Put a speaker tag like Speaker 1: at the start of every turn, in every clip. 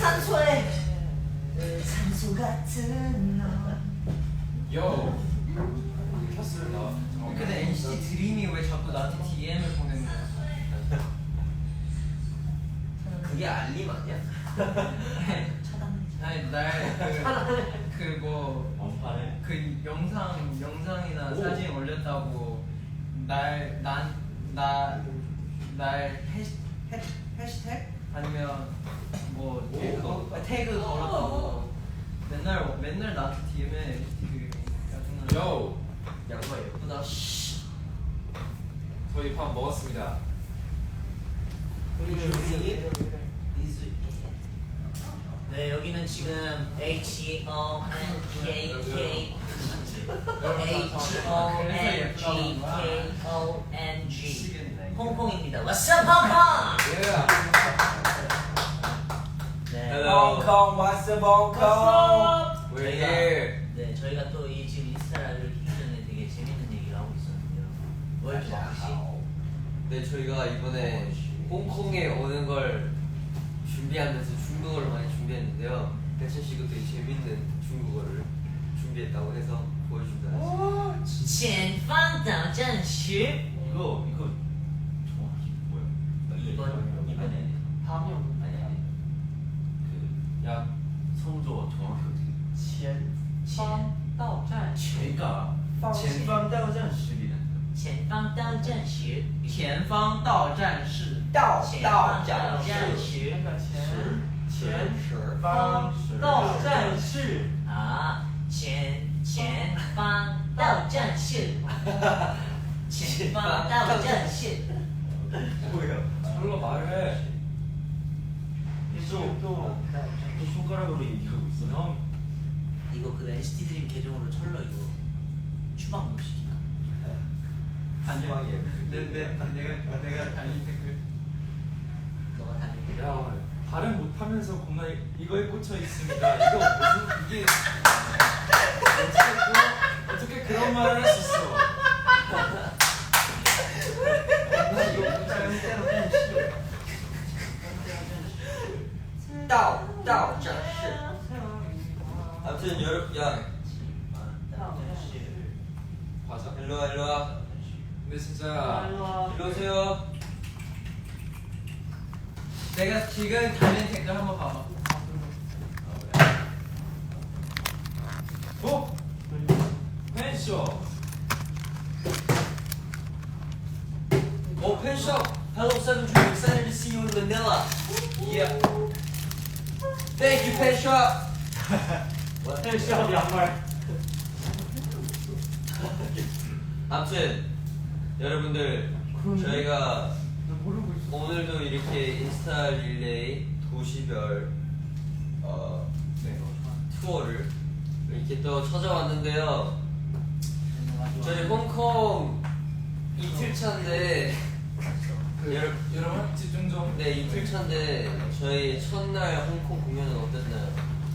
Speaker 1: 산소 같은 너.
Speaker 2: 요. 켰어요.
Speaker 3: 근데 NCT 드림이 왜 자꾸 나한테 DM을 보내는 거야?
Speaker 1: 그게 알림 아니야?
Speaker 3: 아니 그 영상이나 사진 올렸다고 날 해시태그 아니면 뭐 태그 걸었다고 맨날 나한테 DM에
Speaker 2: 요.
Speaker 1: 양말 예쁘다.
Speaker 2: 저희 밥 먹었습니다.
Speaker 1: 네, 여기는 지금 HONGK 홍콩입니다. What's up, Hong Kong? 네,
Speaker 2: Hello.
Speaker 4: Hong Kong, what's up, Hong Kong?
Speaker 2: We're here.
Speaker 1: 네, 저희가 또 이 지금 인스타 라이브를 키기 전에 되게 재밌는 얘기를 하고 있었는데요. 뭐였죠, 혹시?
Speaker 5: 네, 저희가 이번에 홍콩에 오는 걸 준비하면서 중국어를 많이 준비했는데요. 배천 씨가 되게 재밌는 중국어를 준비했다고 해서 보여준다.
Speaker 1: 前方导站时
Speaker 4: 이거 정확히 뭐야?
Speaker 1: 이번에
Speaker 4: 파명
Speaker 1: 아니
Speaker 4: 야 성조 정확히 어떻게? 前方到站 제가 前方到站时
Speaker 1: 前方到站时
Speaker 3: 前方到站是
Speaker 1: 前方到站时
Speaker 4: 前方到站是
Speaker 1: 啊前方到站是前方到站是
Speaker 4: 뭐야?
Speaker 2: 철로 말해.
Speaker 4: 또 손가락으로 얘기하고 있어. 형
Speaker 1: 이거 그 NCT 드림 계정으로 철러 이거 추방 못 시키나?
Speaker 4: 안녕하게.
Speaker 3: 내가 달린 댓글
Speaker 1: 너가 달린 게
Speaker 2: 야, 발음 못하면서 겁나 이거에 꽂혀 있습니다. 이거 무슨 이게 어떻게 그런 말을 할 수 있어?
Speaker 5: 到站是. 아무튼 여러분, 야,
Speaker 2: 과자?
Speaker 5: 일로 와.
Speaker 2: 근데 진짜
Speaker 5: 일로 오세요.
Speaker 3: 내가 지금 달린 댓글 한번 봐봐.
Speaker 2: 어? 펜쇼.
Speaker 5: 펜숍. Hello, 7dream. Excited to see you in Manila. Yeah. Thank you, 펜숍.
Speaker 4: 헬시합 양말.
Speaker 5: 아무튼 여러분들 저희가 오늘도 이렇게 인스타 릴레이 도시별 투어를 이렇게 또 찾아왔는데요. 저희 홍콩 이틀 차인데
Speaker 2: 여러분 집중 좀.
Speaker 5: 네, 이틀 차인데 저희 첫날 홍콩 공연은 어땠나요?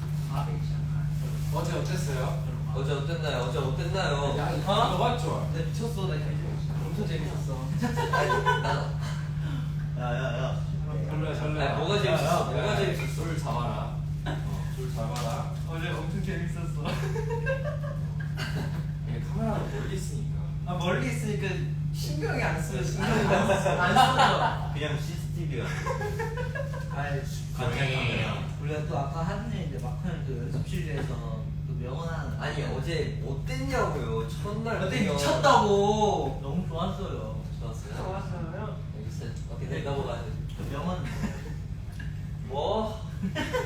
Speaker 2: 어제 어땠어요?
Speaker 5: 어제 어땠나요?
Speaker 2: 야, 너 봤죠?
Speaker 3: 나 미쳤어. 나 엄청 재밌었어.
Speaker 4: 야야야.
Speaker 2: 설레.
Speaker 5: 아니, 뭐가 재밌었어? 뭐가 재밌었어?
Speaker 2: 줄 잡아라. 줄 잡아라.
Speaker 3: 어제 엄청 재밌었어.
Speaker 2: 이게 카메라가 멀리 있으니까.
Speaker 3: 아 멀리 있으니까 신경이 안 쓰여. 안 써져.
Speaker 4: 그냥 CCTV야.
Speaker 1: 아니 우리가 또 아까 하는 얘기인데 막판에 또 연습실에서 또 명언하는
Speaker 5: 아니 어제 어땠냐고요? 첫날
Speaker 3: 어때
Speaker 5: 공연.
Speaker 3: 미쳤다고.
Speaker 1: 너무 좋았어요.
Speaker 5: 좋았어요? 알겠어요. 어떻게 넘어가야 돼?
Speaker 1: 명언
Speaker 5: 뭐?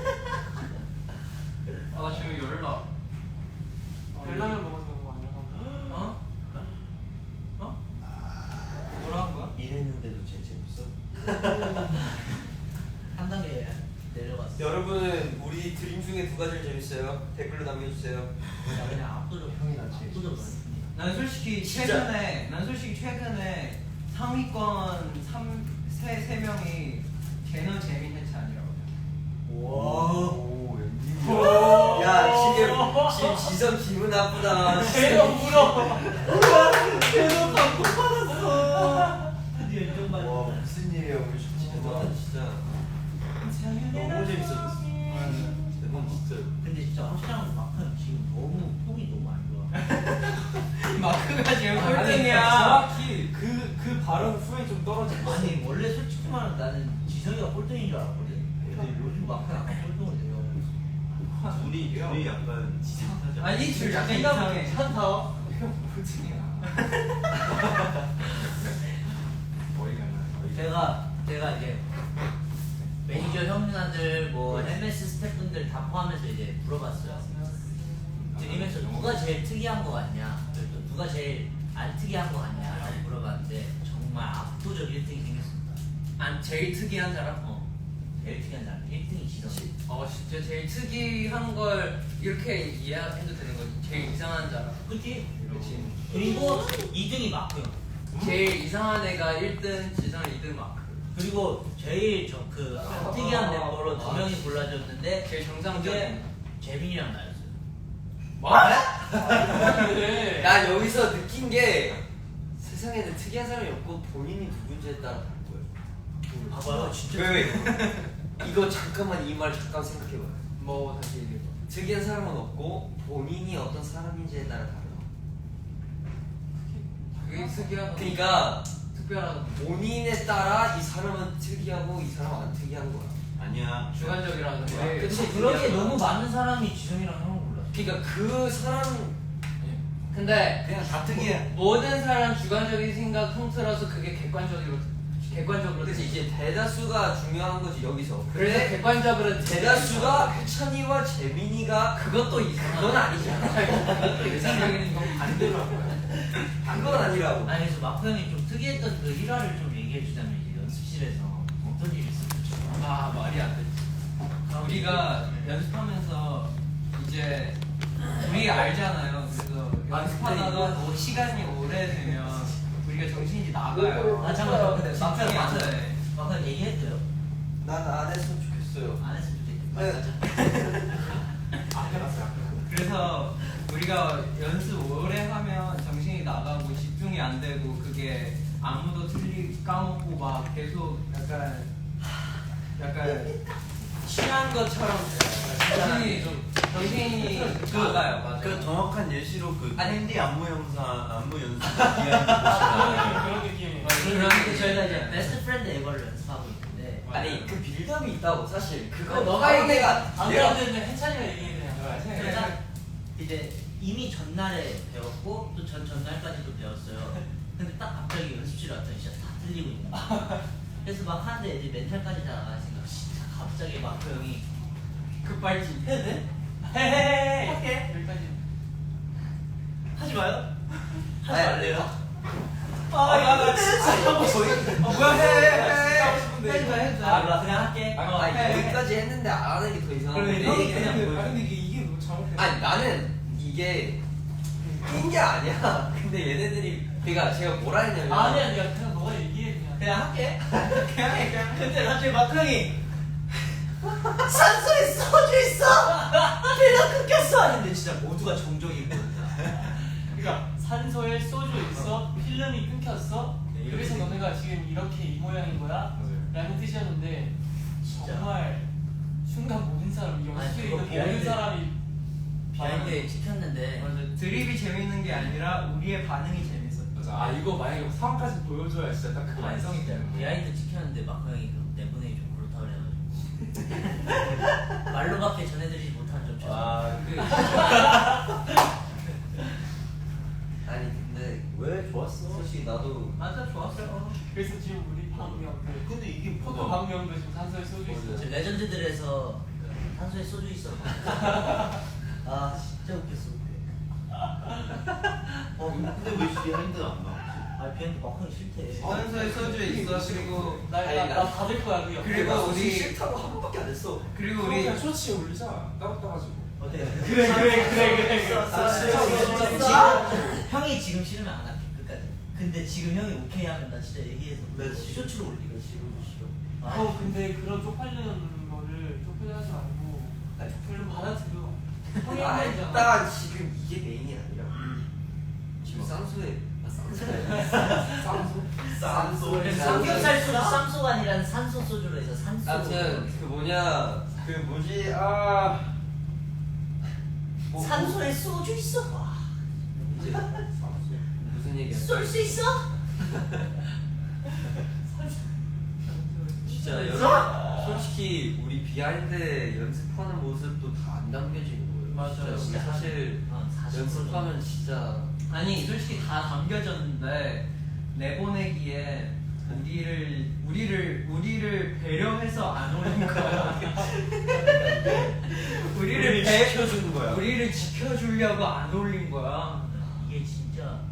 Speaker 3: 아 지금 열나.
Speaker 2: 별라면 먹어서 그런 거 아니야?
Speaker 3: 어? 뭐라 한 거야?
Speaker 4: 이랬는데도 재밌어?
Speaker 1: 한 단계 내려갔어.
Speaker 5: 여러분은 우리 드림 중에 두 가지를 재밌어요? 댓글로 남겨주세요.
Speaker 1: 야, 그냥 압도적
Speaker 4: 형이 낫지.
Speaker 1: 압도적 많습니다.
Speaker 3: 난 솔직히 최근에 상위권 세 명이 걔는 재민 해체 아니라고.
Speaker 4: 오, 웬일이야.
Speaker 5: 야 지금 지성 기분 나쁘다.
Speaker 3: 걔가 울어. 걔도 방금 받았어.
Speaker 1: 드디어 인정받았어.
Speaker 4: 와, 무슨 일이야, 우리
Speaker 5: 진짜
Speaker 4: 진짜. 너무 재밌었어.
Speaker 3: 지금
Speaker 2: 아니,
Speaker 3: 꼴등이야.
Speaker 2: 정확히 그 발언 후에 좀 떨어진 거.
Speaker 1: 아니 원래 솔직히 말하면 나는 지성이가 꼴등인 줄 알았거든. 근데 요즘 막상 약간 꼴등을 해요.
Speaker 4: 둘이 약간 지긋하지 않아?
Speaker 3: 아니 둘 약간 이상해.
Speaker 1: 괜찮다.
Speaker 2: 꼴등이야. 머리가 나.
Speaker 1: 제가 이제 매니저 형님들 뭐 MS 스태프분들 다 포함해서 이제 물어봤어요. 드리면서 누가 제일 특이한 거 같냐, 또 누가 제일 안 특이한 거 같냐라고 물어봤는데 정말 압도적 1등이 생겼습니다.
Speaker 3: 제일 특이한 사람?
Speaker 1: 제일 특이한 사람 1등이 지성.
Speaker 3: 진짜 제일 특이한 걸 이렇게 이해해도 되는 거지. 제일 이상한 사람.
Speaker 1: 그치?
Speaker 3: 그렇지.
Speaker 1: 그리고 2등이 마크 형.
Speaker 3: 제일 이상한 애가 1등, 지성 2등 마크.
Speaker 1: 그리고 제일 안 특이한 멤버로 2명이 골라졌는데
Speaker 3: 제일
Speaker 1: 그게
Speaker 3: 정상적인.
Speaker 1: 재민이랑 나였어요.
Speaker 3: 뭐?
Speaker 5: 나 여기서 느낀 게 세상에는 특이한 사람이 없고 본인이 누군지에 따라 다른 거예요.
Speaker 1: 봐봐요, 진짜.
Speaker 5: 왜? 이거 잠깐만 이 말 잠깐 생각해봐요.
Speaker 3: 뭐 다시 얘기해봐.
Speaker 5: 특이한 사람은 없고 본인이 어떤 사람인지에 따라 다르다.
Speaker 3: 그게 특이하고
Speaker 5: 그러니까
Speaker 3: 특별하고
Speaker 5: 본인에 따라 이 사람은 특이하고 이 사람은 안 특이한 거야.
Speaker 4: 아니야.
Speaker 3: 주관적이라는 거야.
Speaker 5: 그치,
Speaker 1: 그렇게
Speaker 5: 특이한
Speaker 1: 너무
Speaker 5: 거야.
Speaker 1: 많은 사람이 지성이랑 형을 골랐어.
Speaker 5: 그러니까 그 사람
Speaker 3: 근데
Speaker 4: 그냥 다 특이해.
Speaker 3: 모든 사람 주관적인 생각 통틀어서 그게 객관적으로
Speaker 5: 그치 이제 대다수가 중요한 거지 여기서.
Speaker 3: 그래서
Speaker 5: 근데
Speaker 3: 객관적으로
Speaker 5: 대다수가 해찬이와 재민이가
Speaker 3: 그것도 이상하다.
Speaker 5: 그건 아니잖아.
Speaker 3: 내 생각에는 이건 반대로 한 거야.
Speaker 5: 그건 아니라고.
Speaker 1: 아니 그래서 마크 형이 좀 특이했던 그 일화를 좀 얘기해 주자면 이제 연습실에서 어떤 일이 있었는지.
Speaker 3: 말이 안 되지. 우리가 연습하면서 이제 우리 알잖아요. 그래서 연습하다가 뭐 시간이 오래되면 우리가 정신이 나가요.
Speaker 1: 아 잠깐만, 근데
Speaker 3: 진짜
Speaker 1: 마크 형
Speaker 3: 맞아요.
Speaker 1: 마크 형 얘기했어요.
Speaker 5: 난 안 했으면 좋겠어요.
Speaker 1: 안 했으면 좋겠다.
Speaker 2: 앞에 갔어요.
Speaker 3: 그래서 우리가 연습 오래 하면 정신이 나가고 집중이 안 되고 그게 아무도 까먹고 막 계속 약간
Speaker 5: 취한 것처럼
Speaker 3: 정신이 나가요. 맞아요.
Speaker 4: 그 정확한 예시로 그
Speaker 3: 아니,
Speaker 4: 캔디 안무 영상 안무 연습 비하인드 보시면
Speaker 2: 그런 느낌이.
Speaker 1: 그런데 저희가 이제 베스트 프렌드 에버를 연습하고 있는데
Speaker 5: 아니 그 빌드업이 있다고 사실 그거
Speaker 3: 너가
Speaker 5: 내가
Speaker 1: 방금은 해찬이가 얘기해.
Speaker 2: 해찬이가
Speaker 1: 그러니까 이제 이미 전날에 배웠고 또 전날까지도 배웠어요. 근데 딱 갑자기 연습실에 왔더니 진짜 다 틀리고 있는 거야. 그래서 막 하는데 이제 멘탈까지 다 나갈 생각. 진짜 갑자기 마크 형이
Speaker 3: 급발진.
Speaker 1: 해도 돼? 헤헤헤 할게.
Speaker 3: 여기까지.
Speaker 1: 하지 마요. 하지
Speaker 5: 아니,
Speaker 1: 말래요.
Speaker 2: 나 진짜 하고 싶어.
Speaker 3: 뭐야 해.
Speaker 2: 진짜 하고 싶은데.
Speaker 3: 해줘.
Speaker 1: 아 몰라 그냥 할게.
Speaker 5: 여기까지 했는데 안 하는 게 더 이상한
Speaker 1: 그래,
Speaker 5: 건데
Speaker 1: 형이 그냥
Speaker 2: 근데 이게 너무 잘못해.
Speaker 5: 아니 나는 이게 낀 게 아니야. 근데 얘네들이 그러니까 제가 뭐라 했냐면
Speaker 1: 아니야 그냥 너가 얘기해 그냥 할게. 그냥 해 그냥. 근데 갑자기 마크 형이 산소에 소주 있어. 필러 끊겼어. 했는데 진짜 모두가 정적이 있거든요.
Speaker 6: 그러니까 산소에 소주 있어, 필름이 끊겼어.
Speaker 1: 네,
Speaker 6: 그래서
Speaker 1: 이렇게.
Speaker 6: 너네가 지금 이렇게 이 모양인 거야?
Speaker 2: 맞아요.
Speaker 6: 라는 뜻이었는데
Speaker 1: 진짜.
Speaker 6: 정말 순간 모든 사람이
Speaker 1: 아니,
Speaker 6: 연습실에
Speaker 1: 그거
Speaker 6: 있는 모든
Speaker 1: 비하인드.
Speaker 6: 사람이
Speaker 1: 비하인드에 찍혔는데
Speaker 3: 맞아. 드립이 재밌는 게 아니라 우리의 반응이 재밌어.
Speaker 2: 맞아. 아 이거 만약에 상황까지 보여줘야 진짜 딱 그 완성이
Speaker 1: 진짜
Speaker 2: 되는 거야.
Speaker 1: 비하인드 찍혔는데 마크 형이 그 내보내기 좀 그렇다 그래가지고 말로밖에 전해드리지 못한 점 죄송합니다.
Speaker 5: 아니 근데
Speaker 4: 왜 좋았어?
Speaker 5: 솔직히 나도
Speaker 3: 맞아 좋았어요.
Speaker 6: 그래서 지금 우리 방명들
Speaker 4: 근데 이게
Speaker 6: 포토 방명도 지금 산소에 소주 있어.
Speaker 1: 저 레전드들에서 탄소에 소주 있어. 아 진짜 웃겼어.
Speaker 4: 근데 왜 비하인드 안 나왔지?
Speaker 1: 아 비하인드 마크 형 싫대.
Speaker 3: 산소에 소주 있어. 그리고
Speaker 6: 나 받을 거야 그 옆에.
Speaker 3: 그리고 우리-
Speaker 5: 싫다고 한 번밖에 안 했어.
Speaker 3: 그리고
Speaker 2: 우리
Speaker 3: 우리
Speaker 2: 그냥 쇼츠에 올리자. 따로 따가지고.
Speaker 1: 어때?
Speaker 6: 그래.
Speaker 1: 형이 지금 싫으면 안 할게 끝까지. 근데 지금 형이 오케이 하면 나 진짜 얘기해서
Speaker 4: 나 지금-
Speaker 1: 쇼츠로 올리고
Speaker 4: 싫어.
Speaker 1: 아,
Speaker 6: 근데 그런 쪽팔리는 거를 쪽팔려하지 말고
Speaker 5: 아니,
Speaker 6: 별로 받아들여. 형이
Speaker 5: 아
Speaker 6: 한 거잖아.
Speaker 5: 일단 지금 이게 메인이 아니라 지금 쌍수에 쌍수
Speaker 1: 삼겹살 소주 쌈소가 아니라 산소 소주로 해서 산소.
Speaker 5: 아무튼 그 뭐냐 그 뭐지 뭐,
Speaker 1: 산소에 소주 있어. 와.
Speaker 5: 이제 무슨 무슨 얘기야?
Speaker 1: 쏠 수 있어?
Speaker 5: 진짜 솔직히 우리 비하인드 연습하는 모습도 다 안 담겨지는 거예요.
Speaker 6: 맞아요.
Speaker 5: 진짜 우리 사실
Speaker 1: 40%
Speaker 5: 연습하면 진짜
Speaker 3: 아니 솔직히 다 담겨졌는데 내보내기에 우리를 배려해서 안 올린 거야.
Speaker 4: 우리를 지켜주는 거야.
Speaker 3: 우리를 지켜주려고 안 올린 거야.
Speaker 1: 이게 진짜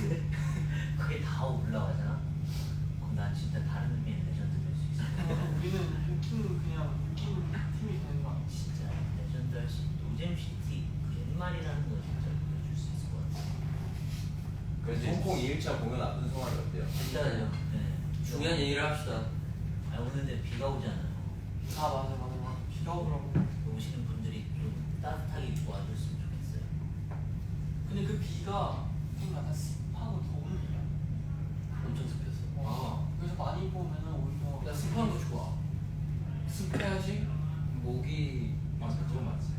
Speaker 1: 그게 다 올라가잖아. 그럼 난 진짜 다른 의미의 레전드 될 수 있어.
Speaker 6: 우리는 웃기는 그냥 웃기는 팀이 되는 거 아니야?
Speaker 1: 진짜 레전드 할 수 있어. 노잼 시티 옛말이라는 거 진짜 보여줄 수 있을 것 같아.
Speaker 4: 그래서 홍콩 2일차 공연 앞둔 소감이 어때요?
Speaker 5: 진짜요.
Speaker 1: 네.
Speaker 5: 중요한 얘기를 합시다.
Speaker 1: 아 오늘 근데 비가 오잖아요.
Speaker 6: 아 맞아. 비가 오더라고.
Speaker 1: 오시는 분들이 좀 따뜻하게 도와줬으면 좋겠어요.
Speaker 6: 근데 그 비가 좀 약간 습하고 더운 비야.
Speaker 5: 엄청 습했어.
Speaker 6: 그래서 많이 입고 오면은 오히려
Speaker 3: 나 습한 거 좋아. 습해야지.
Speaker 5: 목이
Speaker 2: 맞아, 그거 맞지.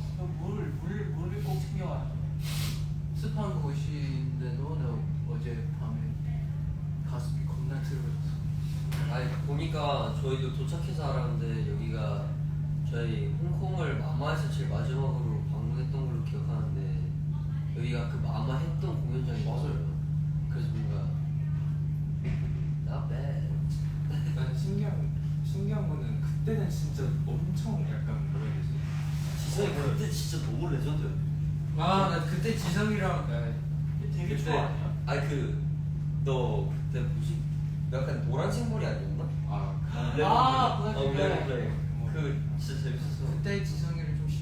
Speaker 6: 물을 꼭 챙겨와야 돼.
Speaker 3: 습한 곳인데도 나 어제 밤에 가슴이 겁나 들어졌어.
Speaker 5: 아니 보니까 저희도 도착해서 알았는데 여기가 저희 홍콩을 마마에서 제일 마지막으로 방문했던 걸로 기억하는데 여기가 그 마마 했던 공연장이 맞아요. 그래서 뭔가 not bad.
Speaker 2: 난 신기한 거는 그때는 진짜 엄청 약간 뭐라 해야 되지?
Speaker 4: 지성이 그때 진짜 너무 레전드였대.
Speaker 3: 나 그때 지성이랑
Speaker 6: 되게
Speaker 5: 그때
Speaker 6: 좋아 아니야?
Speaker 5: 아니 너 그때 뭐지? 약간 노란색 머리 아니었나?
Speaker 2: 아,
Speaker 6: 블랙
Speaker 5: 블랙. 그 진짜 재밌었어.
Speaker 3: 그때 지성이를 좀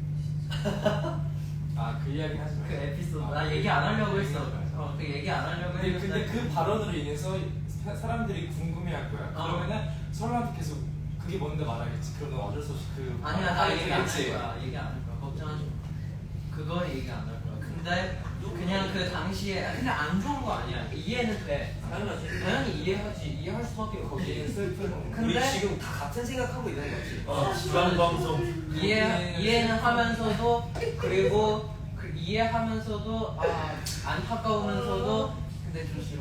Speaker 3: 싫었어.
Speaker 2: 그 이야기 하지 마.
Speaker 3: 그 에피소드 나 얘기 안 하려고 했어.
Speaker 2: 얘기하지
Speaker 3: 그 얘기 안 하려고
Speaker 2: 근데
Speaker 3: 했는데
Speaker 2: 그 발언으로 인해서 사람들이 궁금해할 거야.
Speaker 3: 어.
Speaker 2: 그러면은 설라도 계속 그게 뭔데 말하겠지. 그럼 넌 어쩔 수 없이 그
Speaker 3: 아니야 나 얘기 안 할
Speaker 2: 되겠지.
Speaker 3: 거야. 얘기 안 할 거야. 걱정하지 마. 그거 얘기 안 할 거야. 근데 그냥 그 당시에 근데 안 좋은 거 아니야. 이해는 돼. 당연히 이해하지. 이해할 수밖에 없지.
Speaker 2: 슬픈.
Speaker 5: 우리
Speaker 3: 근데
Speaker 5: 지금 다 같은 생각하고 있는 거지.
Speaker 4: 지방 방송.
Speaker 3: 이해는 하면서도 그리고 이해하면서도 안타까우면서도 근데 좀 싫어.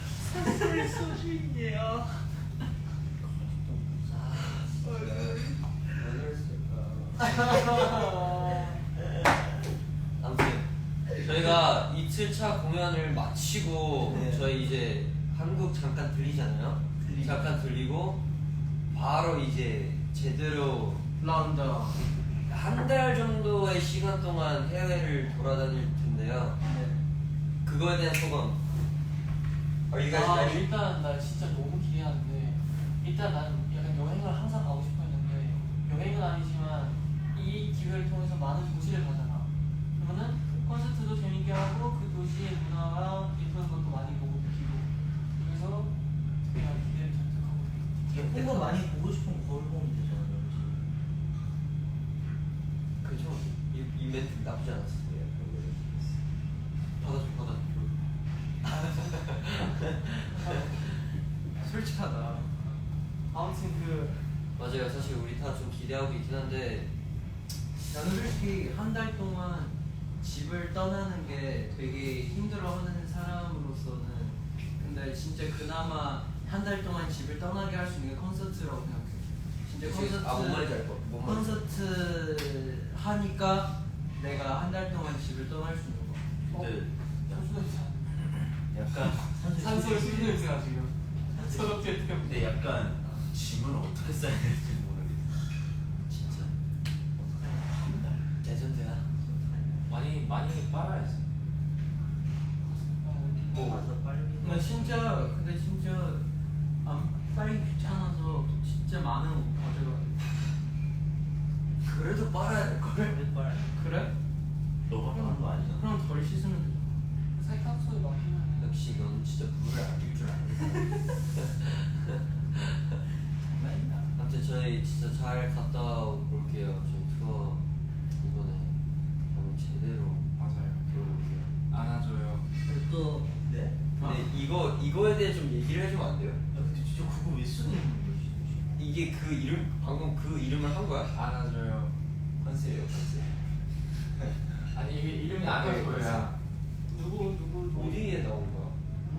Speaker 5: 아무튼 저희가 이틀차 공연을 마치고
Speaker 1: 네.
Speaker 5: 저희 이제 한국 잠깐 들리잖아요. 잠깐 들리고 바로 이제 제대로
Speaker 3: 런던.
Speaker 5: 한 달 정도의 시간 동안 해외를 돌아다닐 텐데요. 그거에 대한 소감. Are you guys ready?
Speaker 6: 일단 나 진짜 너무 기대하는데 일단 난 약간 여행을 항상 가고 싶어 했는데 여행은 아니지만 이 기회를 통해서 많은 도시를 가잖아. 그러면은 콘서트도 재밌게 하고 그 도시의 문화와 예쁜 것도 많이 보고 느끼고 그래서 그냥 기대를 잔뜩 하고 있어요.
Speaker 1: 예쁜 거 많이 보고 싶으면 거울 보면 되잖아.
Speaker 5: 그죠? 이 멘트 나쁘지 않았어요. 받아줘.
Speaker 3: 솔직하다.
Speaker 6: 아무튼
Speaker 5: 맞아요. 사실 우리 다 좀 기대하고 있긴 한데
Speaker 3: 나는 솔직히 한 달 동안 집을 떠나는 게 되게 힘들어하는 사람으로서는 근데 진짜 그나마 한 달 동안 집을 떠나게 할 수 있는 게 콘서트라고 생각해. 진짜 콘서트
Speaker 5: 뭔 말인지 알 거.
Speaker 3: 콘서트 하니까 내가 한 달 동안 집을 떠날 수 있는 거.
Speaker 4: 근데
Speaker 6: 산소에서
Speaker 4: 약간
Speaker 6: 산소에 술 냄새가 지금 소독제 때문에.
Speaker 4: 근데 약간 짐은 어떻게 싸야 될지 모르겠어.
Speaker 5: 진짜 레전드야.
Speaker 2: 많이 빨아야지.
Speaker 1: 가서 빨리.
Speaker 3: 근데 진짜 안 빨리 귀찮아서 진짜 많은 옷 가져가.
Speaker 5: 그래도 빨아야 될 걸.
Speaker 1: 빨리.
Speaker 3: 그래?
Speaker 4: 너가 하는 거 아니잖아.
Speaker 3: 그럼 덜 씻으면 되잖아.
Speaker 6: 세탁소에 맡기면
Speaker 5: 역시 넌 진짜 물을 아낄 줄 아네. 아무튼 저희 진짜 잘 갔다 올게요. 저희 투어 이번에 한번 제대로
Speaker 2: 맞아요.
Speaker 5: 들어볼게요.
Speaker 2: 안아줘요.
Speaker 1: 그리고 또 네?
Speaker 5: 근데 이거에 대해 좀 얘기를 해주면 안 돼요?
Speaker 1: 근데 진짜 그거 왜 쓰고 있는 거지?
Speaker 5: 이게 그 이름 방금 그 이름을 한 거야?
Speaker 2: 안아줘요.
Speaker 4: 컨셉이에요, 컨셉.
Speaker 2: 아니 이게 이름이 안아줘야.
Speaker 6: 누구
Speaker 5: 어디에 나온 거야?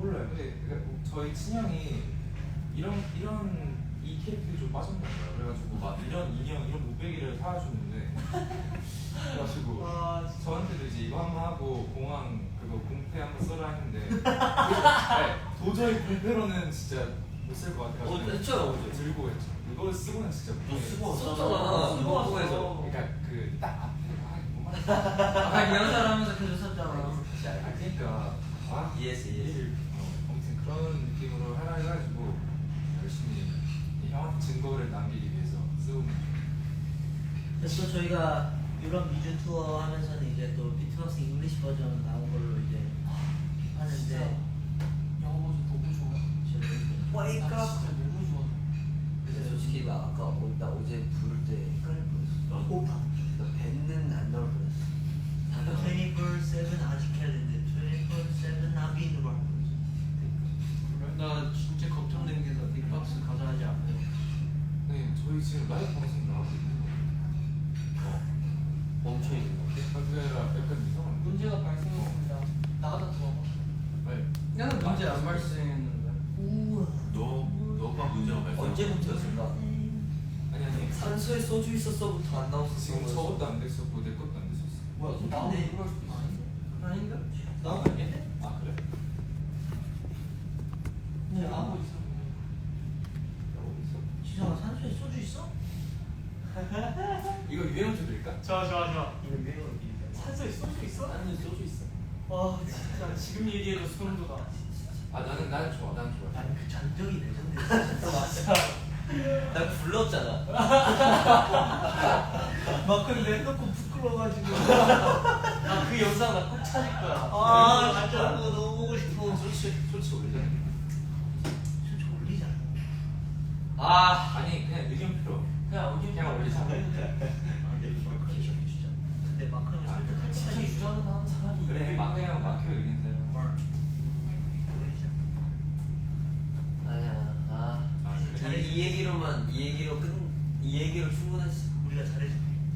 Speaker 2: 몰라요. 근데 그러니까 저희 친형이 이런 이 캐릭터에 좀 빠졌나 봐요. 그래가지고 막 이런 인형 이런 무배기를 사주는데 그래가지고 저한테도 이제 이거 한번 하고 공항 그거 공패 한번 써라 했는데 네, 도저히 공패로는 진짜 못 쓸 것 같아가지고
Speaker 5: 했잖아
Speaker 2: 들고 했죠. 이거 쓰고는 진짜
Speaker 4: 너 쓰고
Speaker 5: 썼잖아.
Speaker 4: 왔잖아.
Speaker 5: 공항에서.
Speaker 2: 그러니까 그 딱 앞에 뭐 말이야.
Speaker 3: 아까 리허설 하면서 계속 썼잖아.
Speaker 2: 그러니까
Speaker 5: ES.
Speaker 2: 아무튼 그런 느낌으로 하라 해가지고 열심히 이 형한테 증거를 남기기 위해서 쓰고
Speaker 1: 그래서 또 저희가 유럽 미주 투어 하면서는 이제 또 비트박스 잉글리시 버전 나온 걸로 이제 하는데
Speaker 6: 영어 버전 너무 좋아. 나
Speaker 1: Wake up.
Speaker 6: 진짜 너무 좋아.
Speaker 5: 근데 솔직히 나 아까 나 어제 부를 때 헷갈릴 뻔했어.
Speaker 1: 오빠
Speaker 5: 나 뱉는 안 나올 뻔했어.
Speaker 1: 24/7 아직 캘린데 24/7 나비누로 할 거지.
Speaker 3: 나 진짜 걱정되는 게 나 빅박스 가자 하지 않아요.
Speaker 2: 네, 저희 지금 라이브 방송 나가고 있는
Speaker 5: 멈춰 있는 거.
Speaker 2: 그게 아니라 약간 이상한
Speaker 6: 문제가 발생했습니다. 나가다 들어봐.
Speaker 2: 네.
Speaker 3: 나는 문제 안 발생했는데.
Speaker 1: 우와.
Speaker 4: 너가 문제가 발생.
Speaker 5: 언제부터였을까?
Speaker 2: 아니
Speaker 5: 산소에 소주 있었어부터 안 나왔어.
Speaker 2: 지금 저것도 안 됐었고 내 것도 안 됐었어.
Speaker 1: 뭐야
Speaker 6: 나오는
Speaker 1: 근데
Speaker 6: 그럴 수도 있어.
Speaker 3: 아닌가?
Speaker 2: 나온 거 아니야? 아 그래?
Speaker 6: 근데 나오고 있어.
Speaker 1: 지성아 산소에 소주 있어?
Speaker 2: 이거 유행 좀 드릴까?
Speaker 6: 좋아.
Speaker 1: 이거 유행어로 빌려.
Speaker 6: 산소에 소주 있어?
Speaker 2: 나는 소주 있어.
Speaker 6: 와 진짜 지금 얘기해도 소름 돋아.
Speaker 2: 아 나는 좋아.
Speaker 1: 아니 그 전적이 레전드였어.
Speaker 6: 맞아.
Speaker 5: 나 불렀잖아.
Speaker 1: 막 근데 해놓고 부끄러워가지고.
Speaker 6: 나 그 영상 나 꼭 찾을 거야.
Speaker 1: 아 진짜 그거 너무 보고 싶어.
Speaker 2: 솔직히 올리자.
Speaker 1: 진짜 졸리잖아.
Speaker 5: 아
Speaker 2: 아니 그냥 의견표로.
Speaker 6: 그냥 어디
Speaker 2: 그냥 올리자.
Speaker 1: 근데 마크 형이 설득할
Speaker 6: 자기
Speaker 1: 때까지
Speaker 6: 주장을 하는 사람이
Speaker 2: 그래 마크형 의견대로.
Speaker 5: 아니야.
Speaker 2: 아 그래.
Speaker 5: 이 얘기로 충분했어.
Speaker 1: 우리가 잘해줄게.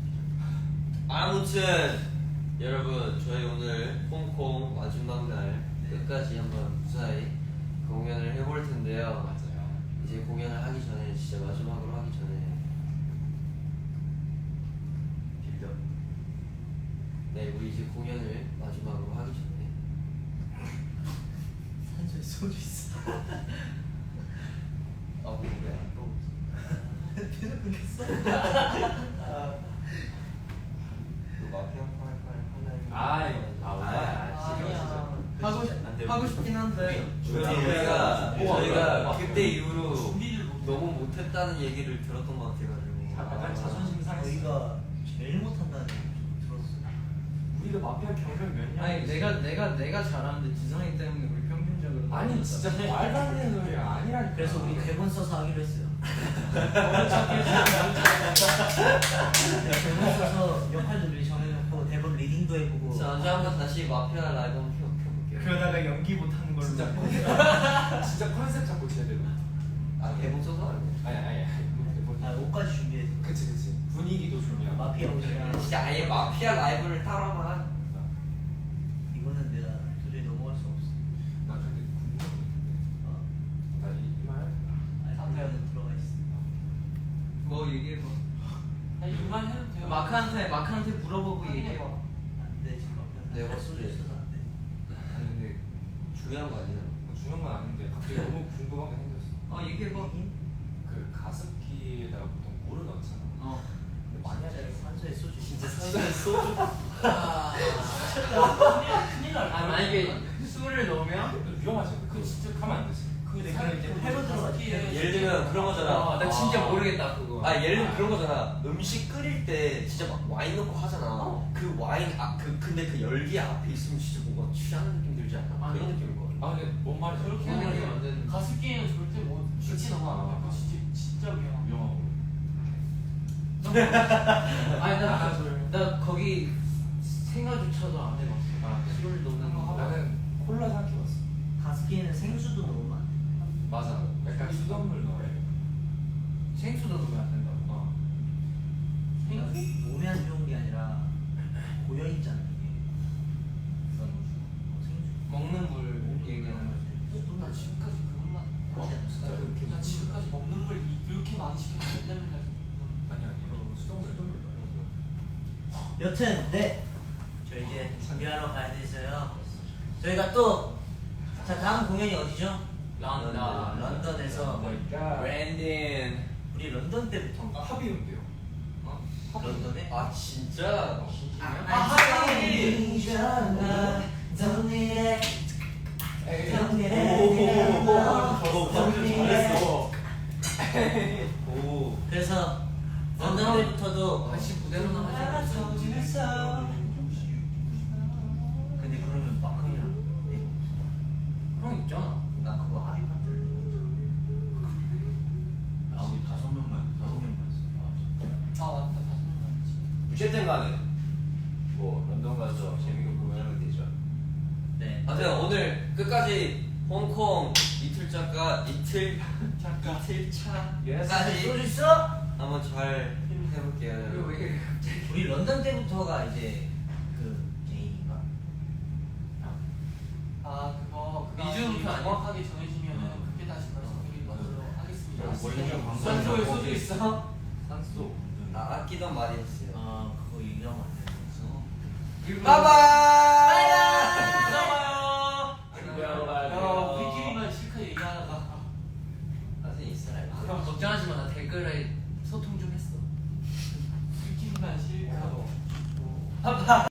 Speaker 5: 아무튼 여러분 저희 오늘 홍콩 마지막 날 끝까지 한번 무사히 공연을 해볼 텐데요.
Speaker 2: 맞아요.
Speaker 5: 이제 공연을 하기 전에 진짜 마지막으로 하기 전에 빌더. 네 우리 이제 공연을 마지막으로 하기 전에
Speaker 1: 산소에 소주 있어.
Speaker 5: 아 뭐야?
Speaker 1: 계속 끊겼어?
Speaker 5: 그 마피아 팔팔
Speaker 6: 아니야.
Speaker 3: 하고 싶긴 한데.
Speaker 5: 저희가 그때 이후로
Speaker 6: 준비를 못.
Speaker 5: 너무 못했다는 얘기를 들었던 것 같아가지고
Speaker 2: 약간 자존심 상했어.
Speaker 1: 저희가 제일 못한다는 얘기 좀 들었어.
Speaker 2: 우리가 마피아 경력 몇 년?
Speaker 3: 아니 내가 잘하는데 지성이 때문에 우리 평균적으로.
Speaker 2: 아니 진짜 말도 안 되는 소리야. 아니라니까.
Speaker 1: 그래서 우리 대본 써서 하기로 했어요. 대본 써서 역할도 미리 정해놓고 대본 리딩도 해보고.
Speaker 5: 자 언제 한번 다시 마피아 라이브 한번 펴볼게요.
Speaker 3: 그러다가 연기 못하는 걸로.
Speaker 2: 진짜 진짜 컨셉 잡고 쳐야 돼.
Speaker 5: 아 대본 써서 알고.
Speaker 2: 아니.
Speaker 1: 아 옷까지 준비해서.
Speaker 2: 그치. 분위기도 중요하고.
Speaker 1: 마피아 옷이랑.
Speaker 5: 진짜 아예 마피아 라이브를 따라만.
Speaker 1: 이거는 내가 도저히 넘어갈 수 없어.
Speaker 2: 나 근데 궁금한 게 있는데.
Speaker 1: 어.
Speaker 2: 나이 말.
Speaker 1: 아니 마피아는 들어가 있어.
Speaker 3: 뭐 얘기해봐.
Speaker 6: 아니 그만 해도 돼요.
Speaker 3: 마크한테 물어보고 얘기해봐.
Speaker 1: 안돼 지금 마피아.
Speaker 5: 내가 소주
Speaker 1: 있어서 안 돼.
Speaker 2: 아니 근데
Speaker 5: 중요한 거 아니야.
Speaker 2: 뭐 중요한 건 아닌데 갑자기 너무 궁금한 게 생겼어.
Speaker 3: 얘기해봐.
Speaker 2: 그 가습기에다가 보통 물을 넣잖아. 근데 만약에
Speaker 1: 산소에 소주
Speaker 5: 진짜 산소에 소주.
Speaker 6: 큰일 날.
Speaker 3: 아 만약에 술을 넣으면
Speaker 2: 위험하지. 그거 진짜 하면 안 되지.
Speaker 6: 그
Speaker 1: 그럼 이제 폐로 들어가지.
Speaker 5: 예를 들면 그런 거잖아.
Speaker 3: 나 진짜 모르겠다 그거.
Speaker 5: 아 예를 들면 그런 거잖아. 음식 끓일 때 진짜 막 와인 넣고 하잖아. 그 와인 근데 그 열기 앞에 있으면 진짜 뭔가 취하는 느낌 들지 않아?
Speaker 6: 아니.
Speaker 5: 그런 느낌일 것 같아.
Speaker 2: 아 근데 뭔 말이지?
Speaker 6: 그렇게
Speaker 3: 그런
Speaker 6: 하면
Speaker 3: 안 되는데.
Speaker 6: 가습기에는 절대 뭐 쉽게 넣으면 안 돼. 그거 진짜 위험해.
Speaker 2: 위험하고.
Speaker 3: 아니 나 거기 생각조차도 안 해봤어.
Speaker 2: 아,
Speaker 3: 술을 넣는 거.
Speaker 2: 나는 콜라 삼켜봤어.
Speaker 1: 가습기에는 생수도 넣으면 안 돼.
Speaker 2: 맞아. 약간 수돗물 넣어야 돼.
Speaker 3: 생수도 넣으면 안 된다고.
Speaker 6: 생수?
Speaker 1: 몸에 안 좋은 게 아니라 고여 있잖아 이게. 생수.
Speaker 3: 먹는 물 얘기하는 거지.
Speaker 6: 되면 갈 수.
Speaker 2: 아니 아니 수동을
Speaker 1: 여튼 네. 저 이제 준비하러 가야 돼서요. 저희가 또 자 다음 공연이 어디죠? 런던에서
Speaker 5: 브랜든.
Speaker 1: 우리 런던 때부터
Speaker 2: 합의운데요.
Speaker 1: 런던에
Speaker 5: 아 진짜?
Speaker 1: 그래서 런던 때부터도
Speaker 3: 다시 무대로 나가서
Speaker 1: 근데 그러면 마크이랑
Speaker 3: 형 있잖아.
Speaker 1: 나 그거 합의 파트
Speaker 4: 우리 5명만
Speaker 6: 아 맞다 다섯 명 있지.
Speaker 4: 어쨌든 간에 뭐 런던 가서 재밌게 공연하면 되죠.
Speaker 1: 네.
Speaker 5: 아무튼 오늘 끝까지 홍콩 이틀차까지
Speaker 1: 소주 있어?
Speaker 5: 한번 잘
Speaker 3: 그리고
Speaker 5: 해볼게요.
Speaker 3: 왜 이렇게 갑자기
Speaker 1: 우리 런던 때부터가 이제 그 개인인가?
Speaker 6: 아 그거
Speaker 3: 미주부터 아니야?
Speaker 6: 정확하게 정해지면은 그때 다시 말씀드리도록 하겠습니다.
Speaker 2: 원래는 방송
Speaker 3: 산소에 소주 있어?
Speaker 2: 산소.
Speaker 5: 나 아끼던 말이었어요.
Speaker 1: 그거 얘기하면 안 되는 거죠.
Speaker 3: 일부러
Speaker 5: 빠바이.